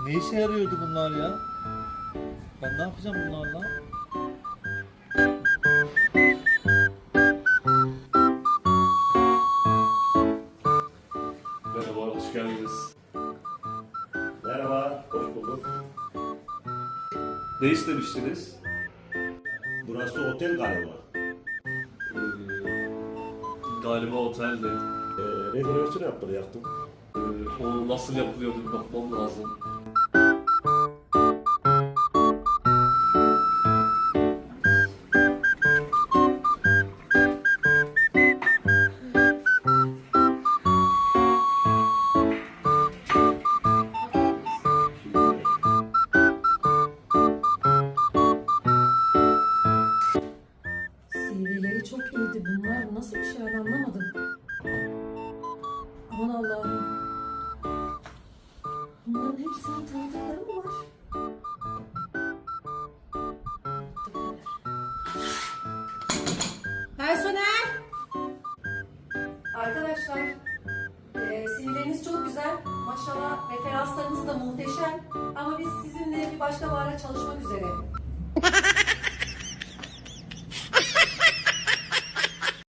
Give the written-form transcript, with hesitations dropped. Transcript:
Ne işe yarıyordu bunlar ya? Ben ne yapacağım bunlarla? Merhaba, hoş geldiniz. Merhaba, hoş bulduk. Ne istemiştiniz? Burası otel galiba. Ee, Galiba otelde. Rezervasyon yaptıracaktım. O nasıl yapılıyordu bir bakmam lazım. CV'leri çok iyiydi. Bunlar nasıl bir şey anlamadım. Aman Allah'ım. Bunların hepsinin tanıdıkları mı var? Personel! Arkadaşlar, CV'leriniz çok güzel. Maşallah referanslarınız da muhteşem. Ama biz sizinle bir başka bahara çalışmak üzere.